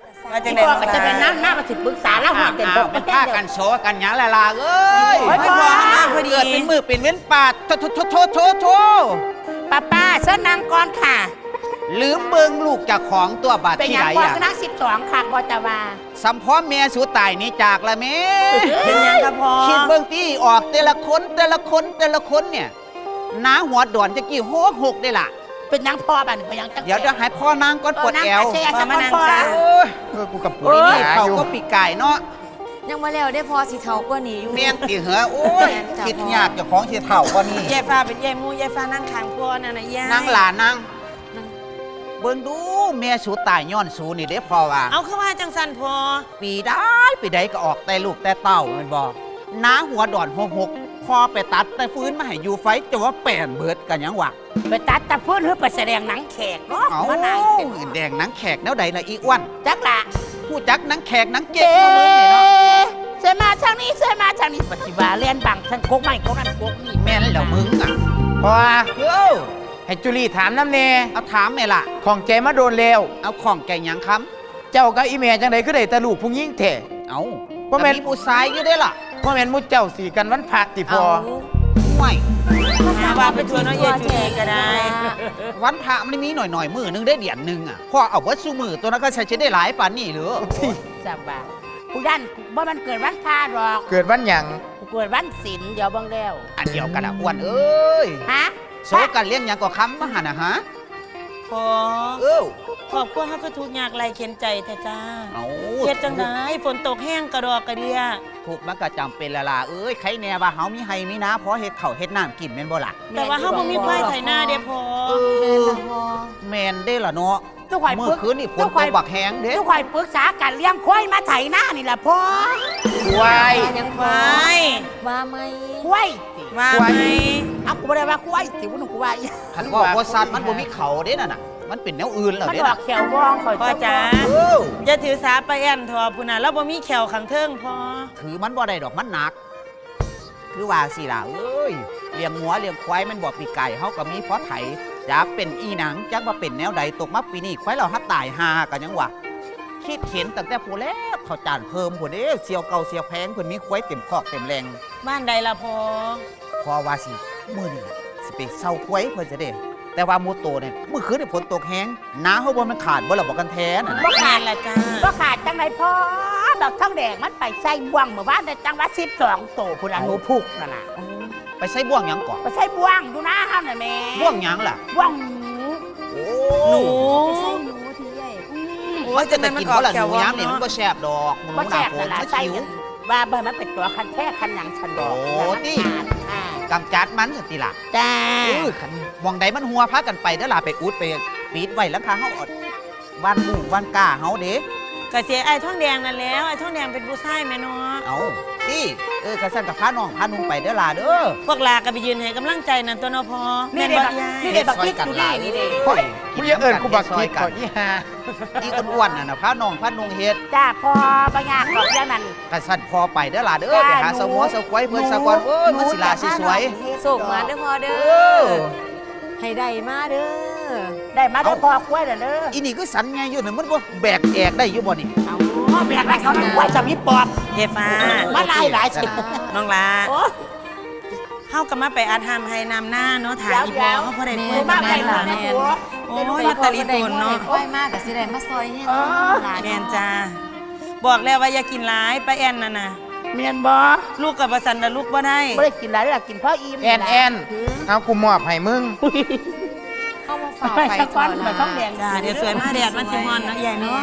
ว่าจังได๋ก็จะเป็นน้ามาสิปรึกษาแล้วหัวเต็มบกมันฆ่ากันโซกันหยังละลาเอ้ยพ่อพอดีเกิดเป็นมือเป็นเว้นปาดโถป้าเส้นนางก่อนค่ะลืมเบิ่งลูกจากของตัวบาดเป็นที่ยังไหนก่อนอ่ะคณะ12ค่ะบ่จะว่าสัมพร้อมเมียสูตายนี่จากละแม่เป็นยังครับพ่อคิดเบิ่งที่ออกแต่ละคนเนี่ยน้าหัวดอนจะกี่หกได้ล่ะเป็นยังพ่อบ้านเป็นยังจังเดี๋ยวจะให้พ่อนางก้อนปวดแอวมานั่งจ้ากูกับปุ๋ยนี่เขาก็ปีกไก่เนาะยังมาแล้วได้พอสิเท่ากว่านี้อยู่เมียนตีเหรอโอ้ยคิดยากเจ้าของสิเท่ากว่านี้ยายฟ้าเป็นยายมูยายฟ้านั่งข้างพ่อน่ะนะยายนั่งหลานนั่งเบิ่งดูเมียสูตายย้อนสูนี่เด้พอว่าเอาคือว่าจังสันพ่อปีใดก็ออกแต่ลูกแต่เต้าแม่นบ่น้าหัวดอนหกพอไปตัดแต่ฟื้นมาให้อยู่ไฟจะว่าแป่นเบิดกันยังวะไปตัดแต่ฟื้นหรือไปแสดงหนังแขกเนาะมาหนังแดงหนังแขกแนวใดล่ะอีอ้วนจักละผู้จักหนังแขกหนังเก็บมาเบิ่งนี่เนาะเสมาทางนี้ปฏิบัติเรียนบังทั้งโคกใหม่โคกนั้นโคกนี่แม่นแล้วมึงอ่ะพอให้จุลีถามน้ำเนเอาถามแม่ล่ะของใจมาโดนแล้วเอาของแกหยังคำเจ้ากับอีเมจังไดก็ได้ตะลูกผู้หญิงแท้เอาเพราะแม่นผู้ชายอยู่ได้ล่ะเพราะแม่นมุดเจ้าสีกันวันพระติพอไม่ว่าไปชวนน้องเยจุลีก็ได้วันพระมันมีหน่อยมือนึงได้เดือนนึงอ่ะพ่อเอาวัดสู้มือตัวนั้นก็ใช้ได้หลายปานนี่หรือจับบ่าผู้ยันบ่มันเกิดวันพาหรอกเกิดวันหยังเกิดวันศีลเดี๋ยวบังแล้วอันเดียวกันอ่ะอ้วนเอ้ยฮะโซกันเลี้ยงยังก็ค้ำมาหันนะฮะพอขอบคุณเขาก็ทุกอยากไรเข็นใจแต่จ้าเฮ็ดจังไดฝนตกแห้งกระดอกกระเดียถูกมันก็จำเป็นละล่ะใครแน่ว่าเฮามีไห้มีนะเพราะเฮ็ดข้าวเฮ็ดน้ำกินแม่นบ่ล่ะแต่ว่าเฮาบ่มีควายไถนาเด้พอแม่นได้ล่ะเนาะเมื่อคืนนี่ฝนตกบักแห้งเด้ทุกข่อยปรึกษากันเลี้ยงควายมาไถนานี่ล่ะพ่อควายยังควายว่าไหมควายว่าไหมเอากูบ่ได้ว่าควายสิบ่หนูควายคันว่าบ่สัตว์มันบ่มีเขาเด้น่ะมันเป็นแนวอื่นแล้วเด้มันออกแขวบ้องข่อยพ่อจ๋าอย่าถือสาไปแอนทอพุ่นน่ะแล้วบ่มีแขวขังเทิงพ่อถือมันบ่ได้ดอกมันหนักคือว่าสิล่ะเลี้ยงงัวเลี้ยงควายมันบ่ปีไก่เฮาก็มีเพราะไถจักเป็นอีหนังจักว่าเป็นแนวใดตกมาปีนี้ควายเราฮัดตายหากันยังวะคิดเห็นตั้งแต่ผู้แล้วเขาจานเพิ่มผู้เด้เสียวเก่าเสียวแพงเพิ่นมีควายเต็มคอกเต็มแรงบ้านใดล่ะพ่อว่าสิมื้อนี้สิไปเซาควายเพิ่นจะได้แต่ว่ามูโตเนี่ยเมื่อคืนฝนตกแห้งน้าเขาบ่มันขาดบ่ล่ะบอกกันแท้น่ะบ่ขาดล่ะจ้าบ่ขาดจังไดพ่อดอกท้องแดงมันไปใส่บ่วงเมื่อวานได้จังว่า12โตพุ่นน่ะหนูพุกนั่นน่ะไปใส่บ่วงหยังก่อนไปใส่บ่วงดูนะเฮาน่ะแม่บ่วงหยังล่ะบ่วงหนูไปใส่หนูทีใหญ่โอ้ยจะได้กินบ่ล่ะหนูยามนี่มันบ่แซ่บดอกหนูหน้าฝนมันหิวว่าบ่มันเป็นตัวคันแท้คันหยังฉันดอกโอ้ติกำจัดมันสติล่ะจ้าคันมองใดมันหัวพากันไปเด้อล่ะไปอุดไปปีดไว้แล้วพาเฮาอดบ้านหมู่บ้านก้าเฮาเด้ก็เสียไอ้ท้องแดงนั่นแล้วไอ้ท้องแดงเป็นผู้ชายแม่เนาะเอาติกระสั่นกับพาน้องพานุ่งไปเด้อล่ะเด้อพวกลาก็ไปยืนให้กำลังใจนั่นตัวเนาะพอแม่นบ่ยายนี่บักคิดอยู่นี่เด้มึงอย่าเอิ้นกูบักคิดก่อนอีห่าอีอ้วนๆน่ะพาน้องพานุ่งเฮ็ดจ้าพอบ่ยากดอกอย่างนั้นกระสั่นพอไปเด้อล่ะเด้อไปหาสมัวสควายเพิ่นซะก่อนมันสิลาสิสวยโศกมาเด้อพอเด้อให้ได้มาเด้อได้มาเด้อพอควายเด้ออีนี่คือสันไงอยู่นี่มันบ่แบกแอกได้อยู่บ่นี่แบกได้เขาควายจะมีปอบเฮฟ้ามาหลายสิน้องลาเฮาก็มาไปอาธรรมให้นำหน้าเนาะถ่ายอีพอเฮาบ่ได้ควายมาได้ล่ะแม่โอ้ยมาตะลีตนเนาะควายมากก็สิได้มาซอยเฮ็ดแม่นจ้าบอกแล้วว่าอย่ากินหลายไปแอนนั่นน่ะแม่นบ่ลูกกับประสันน่ะลูกบ่ได้บ่ได้กินหลายล่ะกินพออิ่มแอนเอากูมอบให้มึงเอามาฝากไปก่อนมาท้องแดงจ้าเดี๋ยวสวยมาแดดมันสิฮ้อนนะใหญ่เนาะ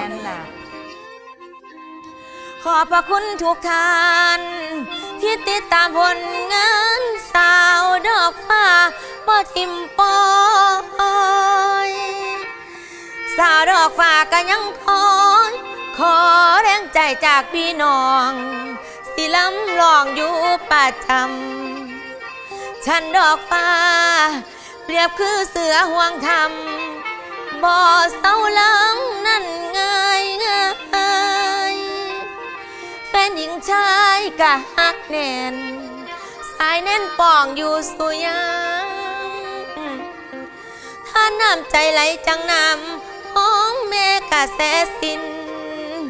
ขอบพระคุณทุกท่านที่ติดตามผลงานสาวดอกฟ้าบ่ทิมปอยสาวดอกฟ้าก็ยังคอยขอแรงใจจากพี่น้องสิล้ำลองอยู่ประจำฉันดอกฟ้าเปรียบคือเสือห่วงธรรมบ่เศร้าหลังนั่นง่ายแฟนหญิงชายกะฮักแน่นสายแน่นป่องอยู่สุยังถ้าน้ำใจไหลจังน้ำห้องแม่กะแสสิน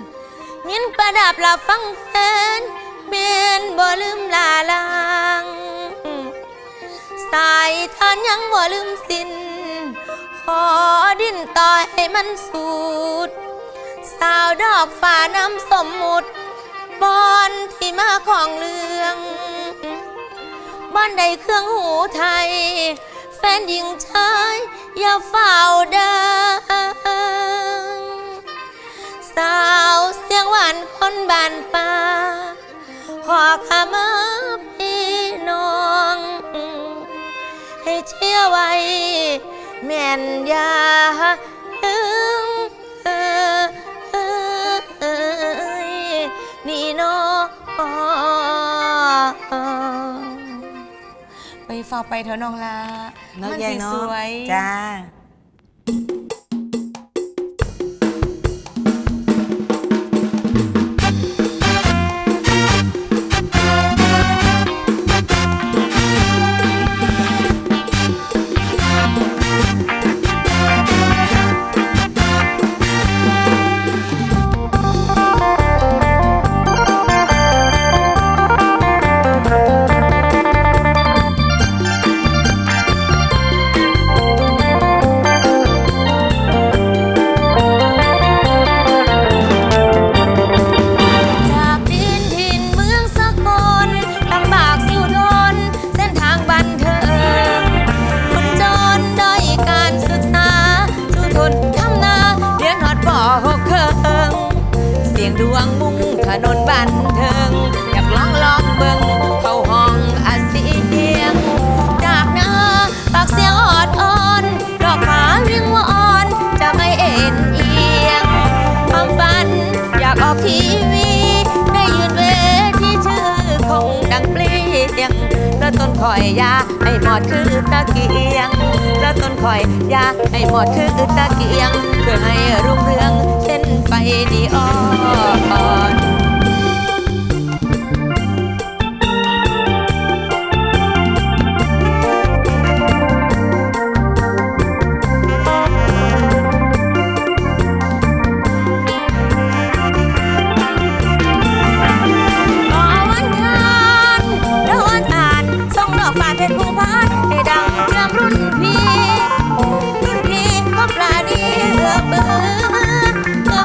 ยินประดับหลับฟังแฟนเมียนบ่ลืมลาลางสายทานยังบ่ลืมสิ้นขอดิ้นต่อให้มันสุดสาวดอกฝ่าน้ำสมมุติบอนที่มาของเรื่องบ้านใดเครื่องหูไทยแฟนหญิงชายอย่าเฝ้าดังสาวเสียงหวานคนบ้านป่าขอขมาพี่น้องให้เชื่อไว้แม่นยาลืมนี่น้องไปฝากไปเถอะน้องลาเนาะมันยายสิเนาะสวยจ้าจากดินถิ่นเมืองสกลลำบากสู้ทนเส้นทางบันเทิงคนจนด้อยการศึกษาสู้ทนทำนาเรียนฮอดป.6 เคิงเสียงดวงมุ่งถนนบันเทิงอยากลองเบิ่งเข้าห้องอาเซียงจากหน้าปากเสียงออดอ่อนดอกฟ้าเรียงว่าอ่อนจะไม่เอ็นเอียงความฝันอยากออกทีวีได้ยืนเวทีชื่อคงดังเปลี่ยงแล้วต้นคอยยาให้หมอดคือตะเกียงแล้วต้นคอยยาให้หมอดคือตะเกียงเพื่อให้รุ่งเรืองเช่นไฟนีออน ขอวันทานแล้ววันทานส่งดอกฟ้าเพชรภูพานให้ดังเรื่องรุ่นพี่ก็ปลาดีเอือเบือ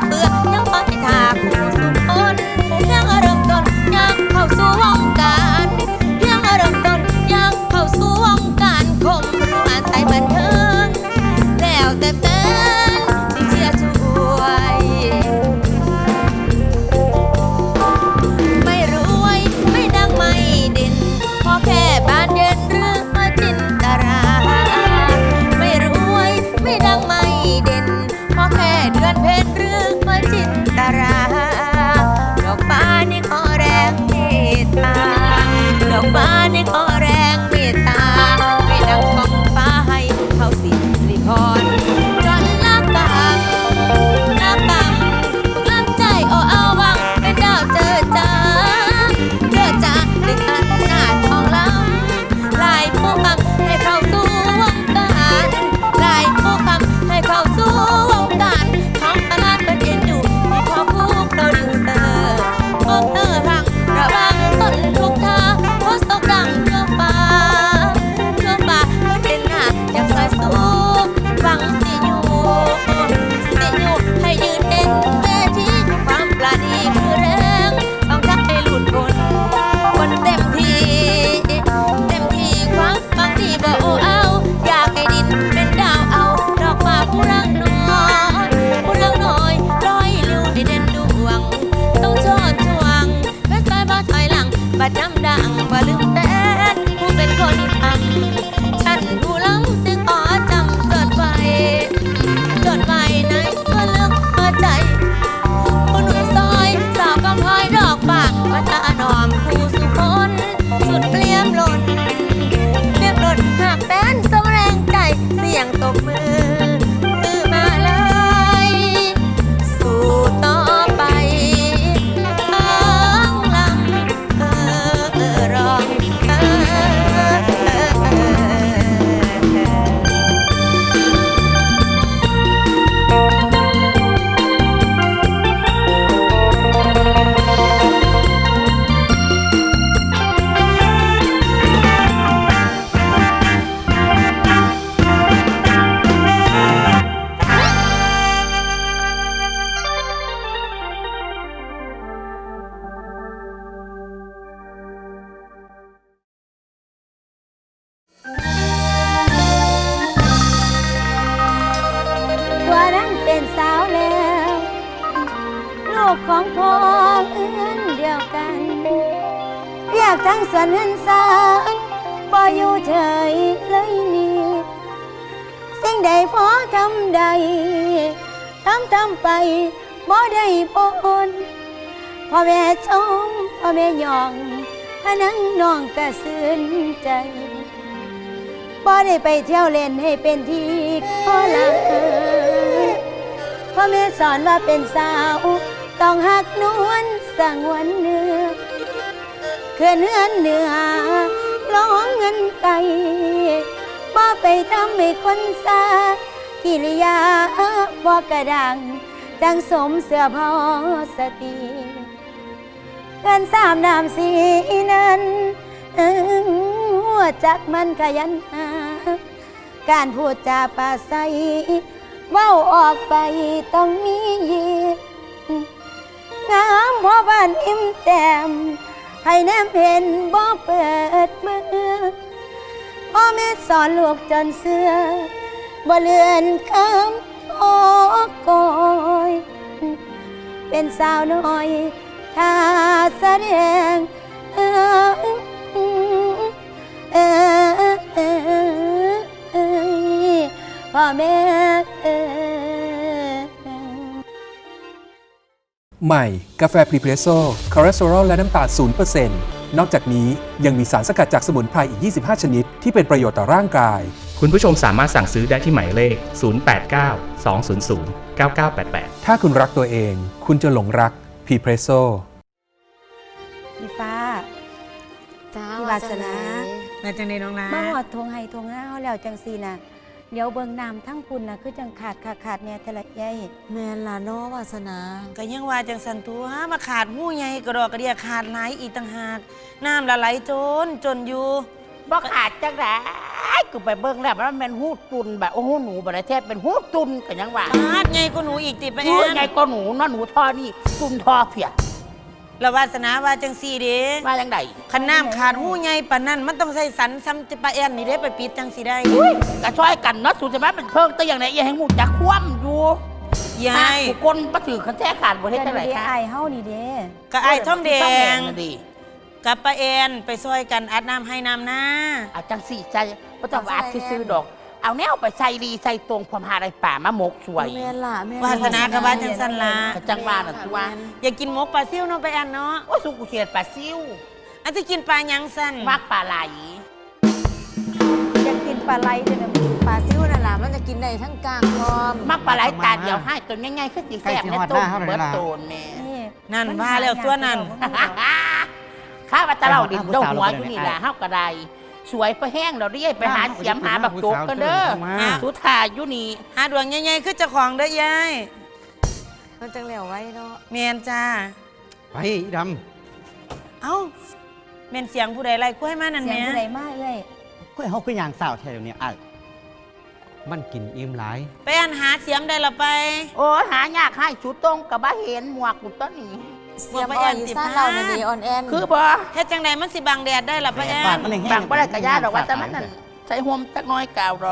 กของพ่อเอื้อนเดียวกันเรียกทั้งส่วนหันสารบ่อยู่เฉยเลยนี่สิ่งใดพอทำใดทำไปบ่ได้ปนพ่อแม่ชมพ่อแม่ยองพะนังน้องกระสืนใจบ่ได้ไปเที่ยวเล่นให้เป็นที่ขอลาพ่อแม่สอนว่าเป็นสาวต้องหักนวลสงวนเนื้อเขื่อนเฮือนเหนือร้องเงินไก่บ่ไปทำให้คนซากิริยาบ่กระดังจังสมเสื้อพอสติกันสามน้ำสีนั้นหัวจักมันขยันหาการพูดจาปราศัยเว้าออกไปต้องมียีงามพอบ้านอิ่มแต้มให้แนมเห็นบ่เปิดมือพ่อแม่สอนลูกจนเสื้อบ่เลือนคำโอกอยเป็นสาวน้อยถ้าแสดงพ่อแม่ใหม่กาแฟพรีเพรสโซ่คอเลสเตอรอลและน้ำตาล 0% นอกจากนี้ยังมีสารสกัดจากสมุนไพรอีก 25 ชนิดที่เป็นประโยชน์ต่อร่างกายคุณผู้ชมสามารถสั่งซื้อได้ที่หมายเลข 089 200 9988 ถ้าคุณรักตัวเอง คุณจะหลงรักพรีเพรสโซ่พี่ฟ้าจ้าพี่วาสนามาจังไดน้องลามาหอดทงให้ทงหน้าเขาแล้วจังสีน่ะเดี๋ยวเบิ่งน้ำทั้งคุณน่ะคือจังขาดเนี่ยแต่ละใหญ่แม่นล่ะเนาะวาสนาก็ยังว่าจังสันตัวมาขาดหู้ใหญ่กระดอกกระเดียขาดหลายอีกต่างหากน้ำละไหลจนอยู่บ่ขาดจังได๋กูไปเบิ่งแล้วมันเป็นหูดตุนแบบโอ้โหหนูบ่ได้แท้เป็นหูดตุนก็ยังว่าขาดใหญ่กว่าหนูอีกติไปหนูแอนใหญ่กว่าหนูเนาะหนูทอนี่ตุนทอเพียแล้ววาสนาว่าจังสี่เด้ว่าจังได๋คันน้ำขาดหู้ใหญ่ปานนั้นมันต้องใส่สันซ้ำจะปะแอนนี่เด้ไปปิดจังสิได้ก็ช่วยกันเนาะสูจะมาเป็นเพิ่งแต่อย่างไหนอย่าให้หมูจักคว่ำอยู่ยายกูคนบ่ถือคันแท้ขาดบ่เฮ็ดจังได๋เดี๋ยวคะไอ้เฮานี่เด้ก็ไอ้ท่อมแดงน่ะดิกับปะแอนไปซอยกันอัดน้ำให้น้ำหน้าเอาจังสี่ใจบ่ต้องว่าซื้อๆดอก เอาแนวไปใส่ดีใส่ตรงความหาได้ป่ามาหมกสวยแม่นล่ะแม่นวาสนากับว่าจังสันละก็จังว่าน่ะตัวอยากกินหมกปลาซิ่วเนาะไปแอนเนาะโอ้ยสุกูเขียดปลาซิวอันที่กินปลาหยังสันมากปลาไหลจะกินปลาไหลเด้อนะปลาซิวนั่นล่ะมันจะกินได้ทั้งกลางพร้อมมากปลาไหลตาเดียวให้ตัวง่ายๆคือสิแซ่บในต้มเบิดโตนแม่นี่นั่นว่าแล้วตัวนั้นข้าว่าจะเล่าดินเดาหัวอยู่นี่แหละเฮาก็ได้สวยไปแห้งเราเรียกไปหาเสียมหาบักโจกกันเด้อสุธาอยู่นี่หาดวงใหญ่ๆคือเจ้าของเด้อยายมันจังแล้วไว้เนาะเมียนจ้าไปอีดเอ้าเมียนเสียงผู้ใดไล่คุ้ยมานั่นเสียงแหม่ผู้ใดมาเอ้ยำก็เขาคืออย่างสาวแถวเนี่ยไอ้มันกินอิ่มหลายไปอันหาเสียมได้ละไปโอ้ยหายากให้ชุดตรงกับบ่เห็นหมวกกูต้นนี้เสียบอ่อนอีสานเราน่ะดีอ่อนแอนคือบ่เฮ็ดจังใดมันสิบังแดดได้ละไปแอนปากมันแห้งบางบ่ได้กระยาดอกว่าแต่มันนั่นใส่ห่มจักหน้อยกาวดอก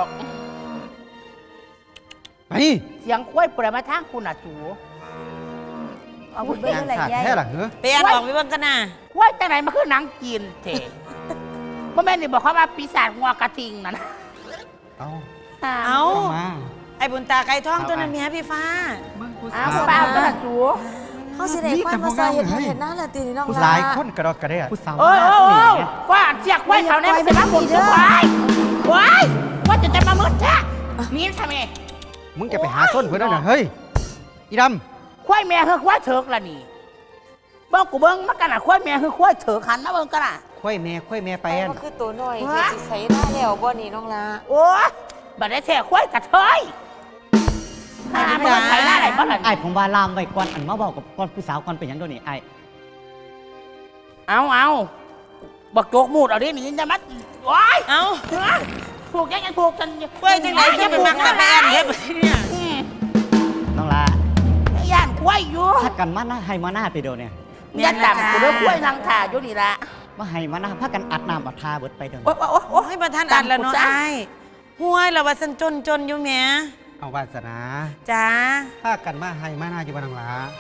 ไปเสียงคุ้ยปุระมาทางคุณน่ะสูเอาบุญเบิ่งอย่างอะไรขาดใหญ่แท้หรอเหรอไปอันออกไปเบิ่งกันน่ะคุ้ยจังไหนมันคือหนังจีนเถะบ่แม่นนี่บอกเขาว่าปีศาจงัวกระทิงนั่นเอาเอ้าเอามาไอ้บุญตาไก่ทองตัวนั้นเมียพี่ฟ้าอ้าวป้าก็น่ะสูเขาสิได้ควายมาซอยเห็ดหน้าละตีนี่น้องผู้ล่ะหลายคนกระดอกกระเดียผู้สาวโอ้ยมากโอ้นี่ยว่าเสียกไว้แถวนี้มันสิมาหมุนสุดไว้ว่าจะมามืดแท้นี่ทำไมมึงจะไปหาส้นเพื่อนด้วยนะเฮ้ยอีดควายแม่คือควายเถิกล่ะนี่เบิ่งกูเบิ่งมันกันน่ะควายแม่คือควายเถิกหันมาเบิ่งกันน่ะค่อยแม่ไปไปอันมันคือตัวน้อยที่สิใส่ได้แล้วบ่นี่น้องล่ะโอ้ยบัดได้แท้ควายกระเทยหามันใช้ได้ไหนบ้างล่ะไอ้ผมว่าลามไปก่อนอันมาบอกกับก่อนผู้สาวก่อนเป็นยังโดนนี่ไอ้เอาบักโจกมูดเอาดินี่จะมัดโอ้ยเอ้าถูกยังถูกกันเว้ยจังไหนจะไปมักแต่ไปอันเฮ็ดบ่เนี่ยน้องลาย่านควายอยู่พักกันมาหน้าให้มาหน้าไปโดนเนี่ยย่านดำกูเด้อควายนางถ่าอยู่นี่ละมาให้มาหน้าพักกันอัดน้ำอัดทาเบิดไปโดนโอ้ยโอ้ยโอ้ให้ประทานอันแล้วเนาะไอ้ห้วยเราว่าสันจนอยู่แหมเอาวาสนาจ้าพักกันมาให้มาหน้าอยู่บ้านน้องลา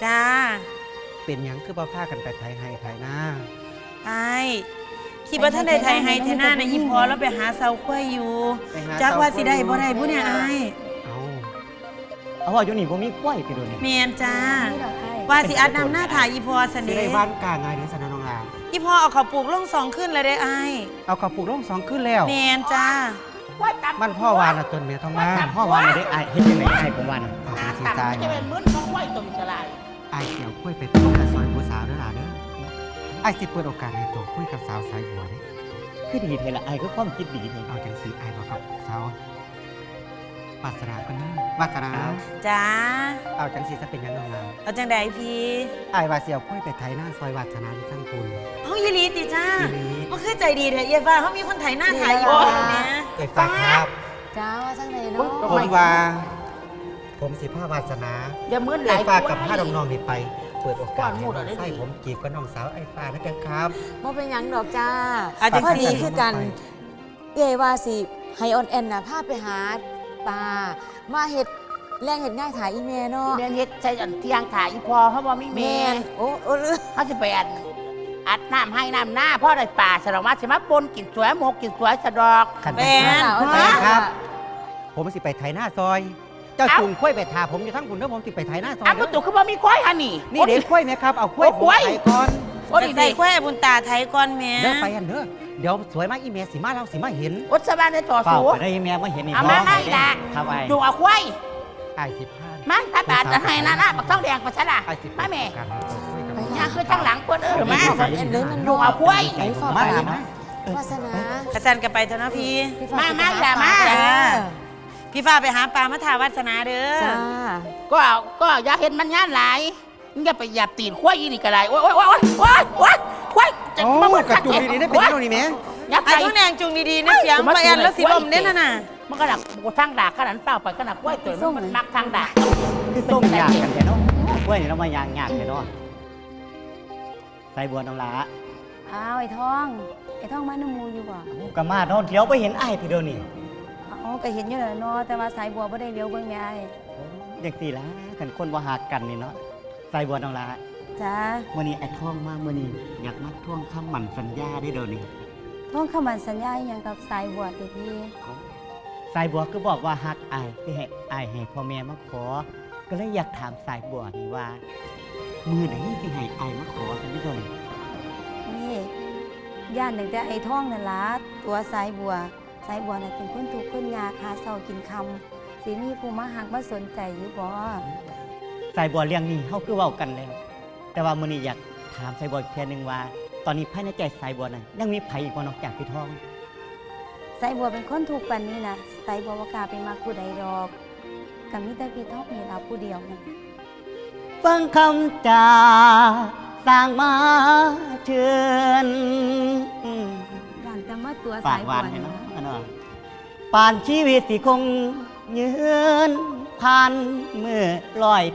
จ้าเป็นหยังคือบ่พากันไปไทยให้ไทยหน้าไอ้คิดว่าท่านใดไทยให้ไทยหน้านะอีพอแล้วไปหาเสาควายอยู่ไปหจักว่าเสสิได้บ่ได้ผู้เนี่ยไอ้เอาว่าอยู่นี่บ่มีกล้วยไปดูนี่เมียนจ้าว่าสิอัดนำหน้าถ่ายอีพอเสสิน่ได้ห์บ้านกลางไงเด้อสนน้องลาอีพอเอาเขาวปลูกล่อง2ขึ้นเลยได้ไอ้เอากระปุกลง2ขึ้นแล้วเมียนจ้ามันพ่อวานน่ะต้นเมียทองมาพ่อวานน่ะได้อ้ายเฮ็ดจังได๋อ้ายผมว่าน่ะเอาไปสิตังตายจะเป็นมื้นของไหวตมสลายอ้ายเกี่ยวกล้วยไปต้มกับซอยผู้สาวเด้อล่ะเด้ออ้ายสิเปิดโอกาสให้โตคุยกับสาวสายบัวเด้คือดีเทละไอ้ก็ความคิดดีเทเอาจังสีไอ้บอกกับสาววาสนากันนะวาสนาจ้าเอาจังสีจะเป็นยังไงล่ะเอาจังใดพี่ไอ้วาเสียวค่อยไปไทยหน้าซอยวาสนาที่ทั้งคุณเฮายีรีติจ้าทีนี้มันคือใจดีแท้เอียฟ้าเขามีคนไถหน้าถ่ายอีพอเนี่ยเกิดฟ้าครับจ้าว่าจังไดเนาะผมว่า ผมสิผ้าวาสนาอย่ามื้นหไอ้ลายฟ้ากับผ้าน้องๆนี่ไป เปิดโอกาสให้น้องไส้ผมจีบกับน้องสาวไอ้ฟ้านะกันครับบ่เป็นหยังดอกจ้าเอาจังพอสิดีคือกันเอ้ยว่าสิให้ออนแอนน่ะพาไปหาปลามาเฮ็ดแรงเฮ็ดง่ายถ่ายอีเมลเนาะเรียนเฮ็ดใช้อันเที่ยงถ่ายอีพอเขาบ่มีแม่โอ้ลือเขาสิไปอัดน้ำให้น้ำหน้าพ่อได้ป่าสลองมาสิมาปนกินสวยหมกกินสวยสะดอกขันแม่นไปครับ ผมสิไปไทยหน้าซอย เจ้าจุงค่อยไปทาผมอยู่ทั้งคุณแล้วผมสิไปไทยหน้าซอยอ้าวประตูคือบ่มีควายหันนี่นี่เด็กค่อยไหมครับ เอาค่อยผมไทยก่อนโอ้จะดีใส่ดีควายบุญตาไทยก่อนแม่เด้อไปอันเด้อเดี๋ยวสวยมากอีเมลสิมาเราสิมาเห็นอุตสบานได้ต่อเปล่าสู้ไปได้แม่มาเห็นนี่เอามาไม่ละครับไอ้ดูเอาควายไอ้สิบห้ามาถ้าบาดจะให้นะนะปักท้องแดงปักชะละไอ้สิบมาแม่การคุยกับยางคือทั้งหลังคนมาออนแอนเลยมันดูเอาควายไปฝากมาไปหามาวาสนาอาจารย์ก็ไปเถอะเนาะพี่พี่ฟ้มาสิอย่ามาจ้าพี่ฟ้าไปหาปลามาถาวัสนาเด้อจ้าก็อย่าเห็นมันย่านหลายมึงอย่าไปหยับตีนควายอีนี่ก็ได้โอ้ยโอ้ยโอ้ยโอ้ยโอ้ยควายจะโอ้มาเหมือนกระจุกดีๆได้เป็นยังไงนี่แม่ยับไอ้ไปทุกแนงจุงดีๆนะเสียงไปอันแล้วสิลมเด้นน่ะมันก็ดักกูทางด่าขนาดเปล่าไปขนาดกล้วยตัวมันมักทางด่าคือส้มยากกันแท้เนาะกล้วยนี่เรามายางยากแท้เนาะใส่บัวน้ำลาอ้าวไอ้ท้องมาน้ำมูอยู่บ่กะมาเนาะเดี๋ยวไปเห็นไอ้พี่เดียวนี่อ๋อก็เห็นอยู่แล้วเนาะแต่ว่าสายบัวบ่ได้เลี้ยวเบิ่งแม่ไอ้เด็กสี่ละกันคนว่าหักกันนี่เนาะใส่บัวน้ำลาจ้ามื่อนี้ไอ้ท่องมากมื่อนี้อยากมาท่วงคำหมั่นสัญญาได้เดี๋ยวนี้ท้องคำมั่นสัญญาอหยังกับสายบัวติพี่สายบัวก็บอกว่าฮักอายที่ให้อายให้พ่อแม่มาขอ ก็เลยอยากถามสายบัวนี่ว่า มือไหนที่ให้อายมาขอกันนี่เดี๋ยวนี้นี่ย่านตั้งแต่ไอ้ท้องนั่นล่ะตัวสายบัวน่ะเป็นคนทุกข์คนยากหาเช้ากินค่ำสิมีผู้มาหักมาสนใจอยู่บ่สายบัวเรื่องนี้เขาคือเว้ากันแล้ว แต่ว่ามื่อนี้อยากถามสายบัวอีกแค่นึงว่า ตอนนี้ภายในใจสายบัวนั้นยังมีไผอีกบ่นอกจากพี่ทองสายบัวเป็นคนทุกข์ปานนี้นะสายบัวบ่กล้าไปมักผู้ใดดอกก็มีแต่พี่ท้องนี่ล่ะผู้เดียวนั่นฟังคำจาสร้างมาเชิญย่านแต่มาตัวปาสาก ยหบัวานวให้นี่เนาะล่ะอันนั้นป่านชีวิตสิคงยืนผ่านเมื่อลอย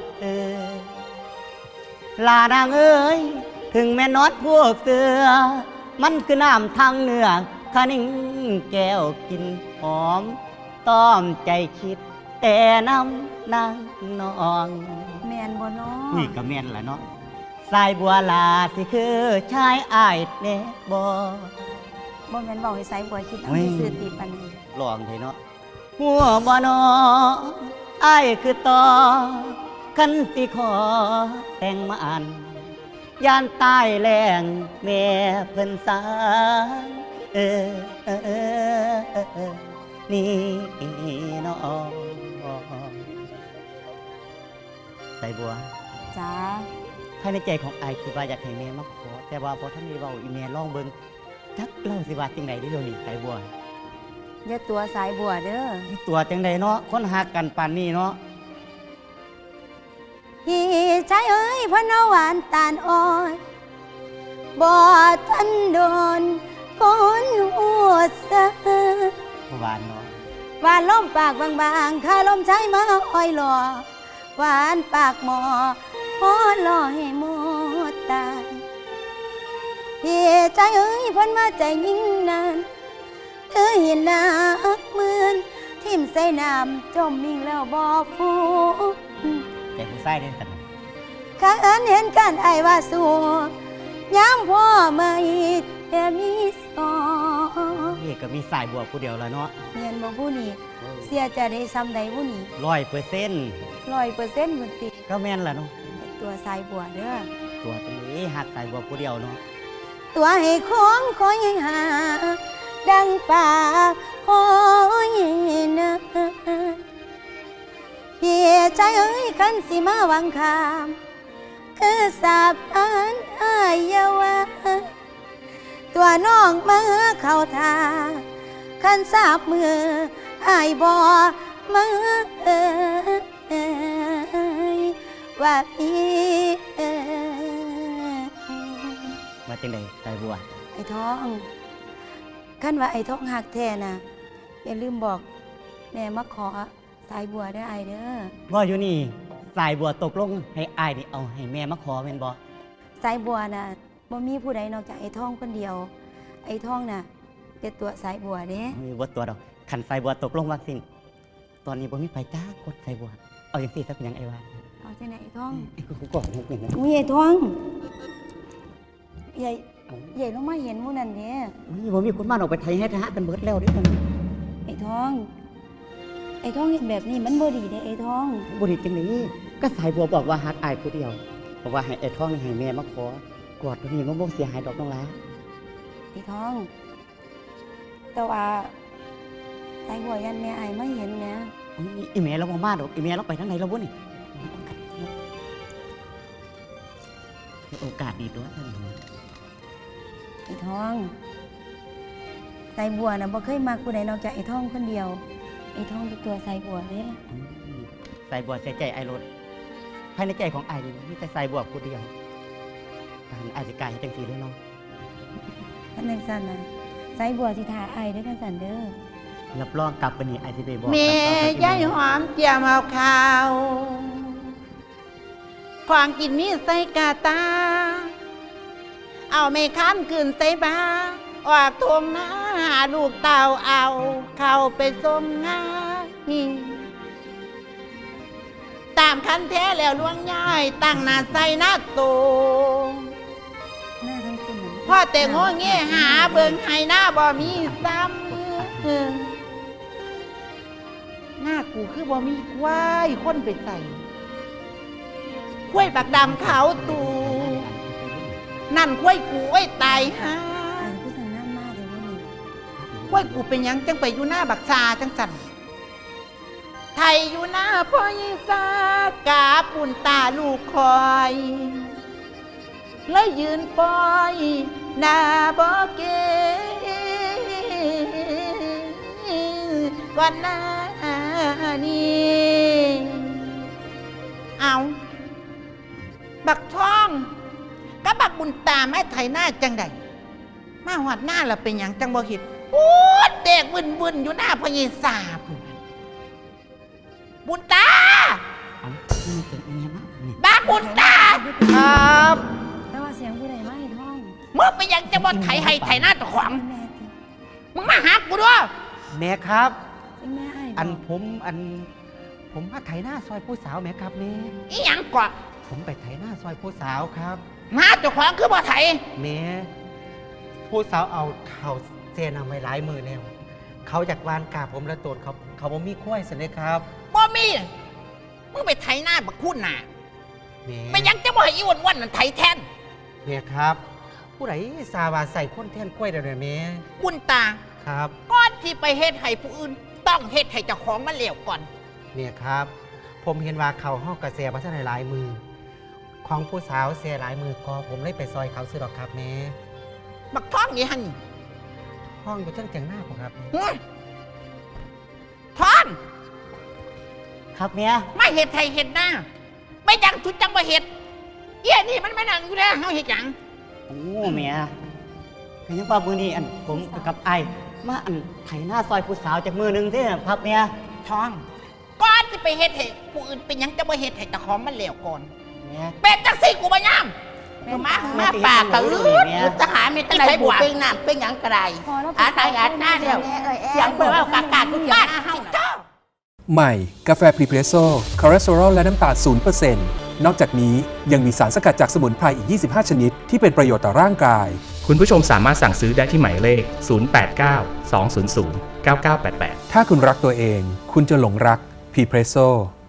ลานางเอ้ยถึงแม่นอดพวกเสือ มันคือน้ำทางเนื้อคะนิ่งแก้วกินหอม ต้อมใจคิด แต่น้ำนางนองแม่นบ่เนาะนี่ก็แม่นแหละเนาะสายบัวลาสิคือชายอายเน่บ่บ่แม่นเว้าให้สายบัวคิดเอาเว้ยให้ซื่อติปานนี้ลองเถอะเนาะหัวบ่นออายคือต่อคันสิขอแต่งมาอันยานตายแรงแม่เพิ่นสางนี่เนาะใส่บัวจ้าภายในใจของไอายคือว่าอยากให้แม่มาขอ แต่ว่าพอท่านมีเว้าอีแม่ลองเบิ่งจักเล่าสิว่าจังได๋เด้อนี่ใส่บัวอย่าตัวสายบัวเด้อนี่ตัวจังไดเนาะคนหักกันปานนี้เนาะพี่ชายเอ้ยพ่อน้าหวานตาลอ่อนบ่ทันโดนคนหัวซะบ่หวานเนาะหวานล้มปากบางๆข้าล้มใช้มาอ้อยหล่อหวานปากหมอพอหล่อให้หมดตายพี่ใจเอ้ยเพ้นมาใจยิ่งนานเธอเห็นนักเหมือนทิ่มใส่น้ำจมมิ่งแล้วบ่ฟูใจผู้ชายเด้อกันพข้าอันเห็นกันไอ้ว่าสู้ย้ำพ่อมาอีกแต่มีสองนี่ก็มีสายบัวผู้เดียวแล้วเนาะเมียนบ่ผู้นี้เสียจะได้ซ้ำใดผู้นี้ 100% 100%เหมือนติก็แม่นล่ะเนาะตัวสายบัวเด้อตัวตรงนี้หักสายบัวผู้เดียวเนาะตัวให้ของคอยหา ดังป่าคอยนะเพียใจเอ้ยคันสิมาวังคามคือสาบอันอายาวะตัวน้องมาเข้าทาคันสาบมืออายบ่มาว่าพี่มาจังได๋สายบัวไอ้ท้องคันว่าไอ้ท้องหักแท้น่ะอย่าลืมบอกแม่มาขอสายบัวได้อไอเด้อว่าอยู่นี่สายบัวตกลงให้อ้ายนี่เอาให้แม่มาขอแม่นบ่สายบัวน่ะบ่มีผู้ใดนอกจากไอ้ท้องคนเดียว ไอ้ท้องน่ะเป็นตัวสายบัวเด้มีบ่ตัวดอกคันสายบัวตกลงว่าสิ้นตอนนี้บ่มีไผจ้ากดสายบัวเอาจังซี่ซะเป็นหยังไอ้ว่าเอาจังไหนไอ้ท้องกูกดหกหนึ่งนะอุ้ยไอ้ท้องใหญ่ลงมาเห็นหมู่นั่นเด้อุ้ยบ่มีคนมาออกไปไทยให้ทหารกันเบิดแล้วเด้ตอนนี้ไอ้ท้องเห็นแบบนี้มันบ่ดีเด้ไอ้ท้องบ่ดีจังได๋ก็สายบัวบอกว่าฮักอ้ายผู้เดียวบอกว่าให้ไอ้ท้องนี่ให้แม่มาขอกอดตัวนี้มันบ่เสียหายดอกน้องหลาไอ้ท้อง แต่ว่าสายบัวยันแม่ไอ้ไม่เห็นนะอุ้ยอีแม่เราบ่มาดอกอีแม่เราไปทางไหนแล้วบ่นี่โอกาสดีด้วยท่านไอ้ท้องสายบัวน่ะบ่เคยมาผู้ใดนอกจากไอ้ท้องคนเดียว ไอ้ท้องเป็นตัวสายบัวเด้สายบัวเสียใจไอ้รถภายในใจของไอ้นี่มีแต่สายบัวผู้เดียวการอาจจะกลายให้จังซี่เลยเนาะท่านจังซั่นน่ะสายบัวสิทาไอ้เด้อจังซั่นเด้อรับรองกลับไปนี่ไอ้สิไปบอกแม่ยายหอมเจียมเอาข้าวของกินมีใส่กาตา เอาไม่ค้านคืนใส่บาออกทวงหน้าหาลูกเต่าเอาเข้าไปส่งงานตามคันแท้แล้วล่วงย่ายตั้งหน้าใส่หน้าโตหน้าทั้งคุณน่ะพ่อแต่งโง่เงี้ยหาเบิ่งให้หน้าบ่มีซ้ำหน้ากูคือบ่มีควายคนไปใส่ควายบักดำขาวตูนั่นควายกูไอ้ตายฮะไอ้ผู้สั่งน้ำมาเดี๋ยวนี้ควายกูเป็นหยังจังไปอยู่หน้าบักซาจังสันไทยอยู่หน้าพ่อยิ่งซากาปุ่นตาลูกคอยแล้วยืนปอยหน้าบ่เกก่อนหน้านี้เอาบักทองกับบักบุญตาแม่ไทยหน้าจังใดมาหอดหน้าเราเป็นหยังจังบ่เห็นปูดเด็กบึนอยู่หน้าพญสาพุ่นบุญตาเอ้านี่เสียงอีแม่มานี่บักบุญตาครับแต่ว่าเสียงผู้ใดมาไอ้ท้องเมื่อเป็นหยังจะบ่ไทยให้ไทยหน้าตะขวางแม่ติมึงมาหากูด้วยแม่ครับไอ้แม่ไอ้ผมมาไถหน้าซอยผู้สาวแม่ครับแม่อีหยังก่อนผมไปไถหน้าซอยผู้สาวครับหน้าตะขวางคือบ่ไทยแม่ผู้สาวเอาเขาเซนำไว้หลายมือแล้วเขาจากวานกาผมและโตนเขาบ่มีคุ้ยสิเลยครับบ่มีมึงไปไทยหน้าบักคุณน่ะแม่เป็นหยังจะบ่ให้อีวันนั่นไทยแทนแม่ครับ ผู้ใดสาวาใส่คนแท่นกล้วยเดี๋ยวนี้แม่บุญตาครับก่อนที่ไปเฮ็ดให้ผู้อื่น ต้องเฮ็ดให้เจ้าของมันแล้วก่อนแม่ครับ ผมเห็นว่าเขาห้องกระเสียพัฒนาหลายมือ ของผู้สาวเสียหลายมือก็ผมเลยไปซอยเขาซื้อดอกครับแม่บักท้องนี่หั่นห้องอยู่จังจังหน้าผมครับหัวท้องครับแม่ไม่เฮ็ดไทยเฮ็ดหน้าไม่จังทุดจังบ่เฮ็ดเอี้ยนี่มันมานั่งอยู่แล้วเฮาเฮ็ดหยังโอ้แม่ก็ยังว่ามื้อนี้อันผมกับไอ้ายมาอันไถหน้าซอยผู้สาวจากมือหนึงที่ครับแม่ท้องก่อนที่ไปเฮ็ดให้ผู้อื่นเป็นหยังจะบ่เฮ็ดให้เจ้าของมันแล้วก่อนแม่เป็นจังซี่กูบ่ยามมาปากกะลืดทหารมีตั้งไหนบุเป็นน้ำเป็นหยังกระไรพอแล้วอาตายอาหน้าเดียวเสียงเปิดว่ากากาทุกบ้านเฮาเจ้าใหม่ กาแฟพรีเพรสโซ่คอเลสเตอรอลและน้ำตาล0% นอกจากนี้ยังมีสารสกัดจากสมุนไพรอีก 25 ชนิดที่เป็นประโยชน์ต่อร่างกายคุณผู้ชมสามารถสั่งซื้อได้ที่หมายเลข 089 200 9988 ถ้าคุณรักตัวเอง คุณจะหลงรักพรีเพรสโซ่